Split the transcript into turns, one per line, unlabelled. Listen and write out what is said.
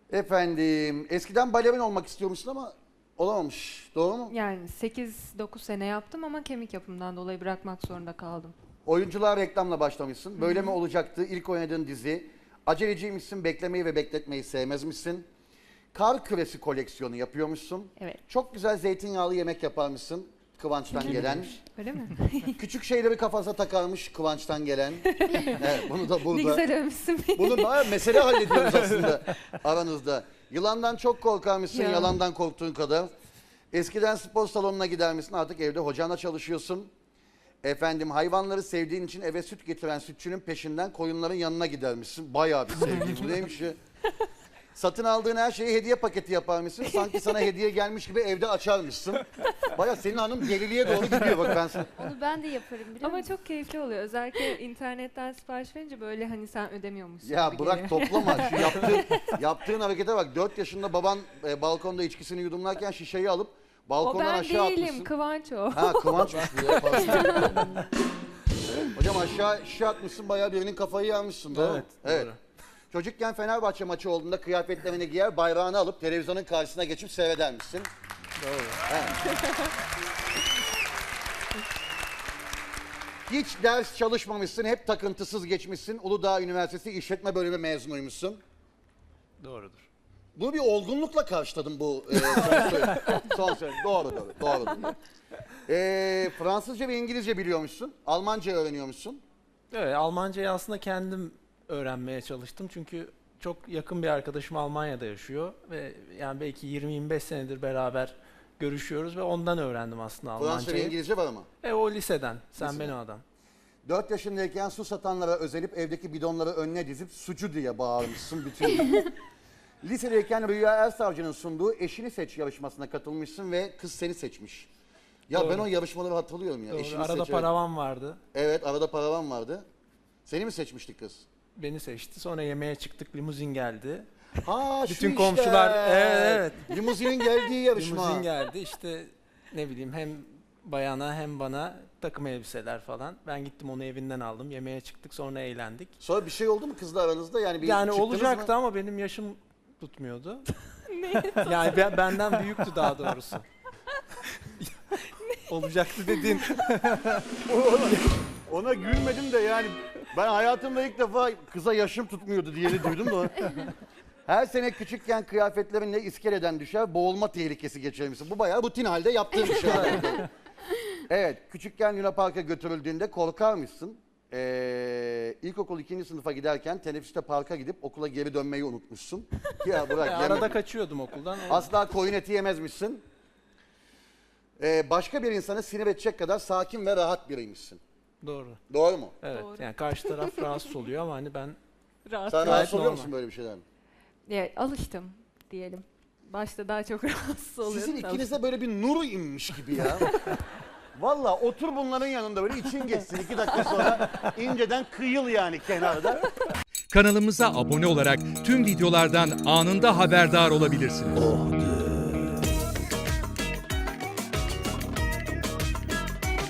Efendim, eskiden balerin olmak istiyormuşsun ama olamamış. Doğru mu?
Yani 8-9 sene yaptım ama kemik yapımından dolayı bırakmak zorunda kaldım.
Oyunculuğa reklamla başlamışsın. Böyle mi olacaktı? İlk oynadığın dizi. Aceleciymişsin, beklemeyi ve bekletmeyi sevmezmişsin. Kar küresi koleksiyonu yapıyormuşsun.
Evet.
Çok güzel zeytinyağlı yemek yaparmışsın. Kıvanç'tan gelen.
Öyle mi?
Küçük şeyleri kafasına takarmış Kıvanç'tan gelen. Evet, bunu da
Ne
burada.
güzel övmüşsün beni.
Bunu bayağı mesele hallediyoruz aslında aranızda. Yılandan çok korkarmışsın,
Ya.
yalandan korktuğun kadar. Eskiden spor salonuna gidermişsin, artık evde hocanla çalışıyorsun. Efendim, hayvanları sevdiğin için eve süt getiren sütçünün peşinden koyunların yanına gidermişsin. Bayağı bir sevgi. Bu neymiş ya? Satın aldığın her şeyi hediye paketi yaparmışsın. Sanki sana hediye gelmiş gibi evde açarmışsın. Bayağı senin hanım deliliğe doğru gidiyor bak ben sana.
Onu ben de yaparım biliyor
Ama
musun?
çok keyifli oluyor. Özellikle internetten sipariş verince böyle hani sen ödemiyormuşsun
Ya
gibi
bırak
geliyor.
toplama. Şu yaptığın harekete bak. 4 yaşında baban balkonda içkisini yudumlarken şişeyi alıp
O
balkondan
ben
aşağı
değilim,
atmışsın.
Kıvanç o.
Ha Kıvanç'mış bu ya. Pardon. Hocam aşağı şişe atmışsın, bayağı birinin kafayı yarmışsın. Doğru mu?
Evet, doğru.
Çocukken Fenerbahçe maçı olduğunda kıyafetlerini giyer, bayrağını alıp televizyonun karşısına geçip seyredermişsin.
Doğru.
Evet. Hiç ders çalışmamışsın, hep takıntısız geçmişsin. Uludağ Üniversitesi İşletme Bölümü mezunuymuşsun.
Doğrudur.
Bunu bir olgunlukla karşıladım bu son söyledi. Doğru. Fransızca ve İngilizce biliyormuşsun. Almanca öğreniyormuşsun.
Evet, Almancayı aslında kendim öğrenmeye çalıştım. Çünkü çok yakın bir arkadaşım Almanya'da yaşıyor ve yani belki 20-25 senedir beraber görüşüyoruz ve ondan öğrendim aslında
Fransızca ve
Almancayı.
İngilizce var ama.
O liseden. Sen
Liseden.
benim adam.
4 yaşındayken su satanlara özelip evdeki bidonları önüne dizip sucu diye bağırmışsın bütün gün. Lisedeyken Rüya Ersavcı'nın sunduğu Eşini Seç yarışmasına katılmışsın ve kız seni seçmiş. Ya
Doğru.
ben o yarışmaları hatırlıyorum ya.
Doğru.
Eşini
Arada
Seç, evet.
paravan vardı.
Evet, arada paravan vardı. Seni mi seçmiştik kız?
Beni seçti. Sonra yemeğe çıktık. Limuzin geldi.
Ha şu
Bütün
işte.
komşular evet.
Limuzinin geldiği yarışma.
Limuzin geldi. İşte ne bileyim hem bayana hem bana takım elbiseler falan. Ben gittim onu evinden aldım. Yemeğe çıktık. Sonra eğlendik.
Sonra bir şey oldu mu kızla aranızda? Yani bir
Yani
çıktınız
olacaktı
mı?
ama benim yaşım tutmuyordu. Yani benden büyüktü daha doğrusu. Olacaktı dedin.
Ona gülmedim de yani ben hayatımda ilk defa kıza yaşım tutmuyordu diyeni duydum da. Her sene küçükken kıyafetlerinle iskeleden düşer, boğulma tehlikesi geçirmişsin. Bu bayağı rutin halde yaptığın bir şey. Evet, küçükken Luna Park'a götürüldüğünde korkarmışsın. İlkokul 2. sınıfa giderken teneffüste parka gidip okula geri dönmeyi unutmuşsun. Ya bırak.
Arada
yeme.
kaçıyordum okuldan.
Asla koyun eti yemezmişsin. Başka bir insanı sinir edecek kadar sakin ve rahat biriymişsin.
Doğru.
Doğru mu?
Evet.
Doğru.
Yani karşı taraf rahatsız oluyor ama hani ben
Rahat.
Sen
Gayet
rahatsız oluyor
normal.
musun böyle bir şeyden?
Ya, alıştım diyelim. Başta daha çok rahatsız oluyordum.
Sizin
da
ikinize böyle bir nur inmiş gibi ya. Valla otur bunların yanında böyle için geçsin 2 dakika sonra inceden kıyıl yani kenarda.
Kanalımıza abone olarak tüm videolardan anında haberdar olabilirsiniz.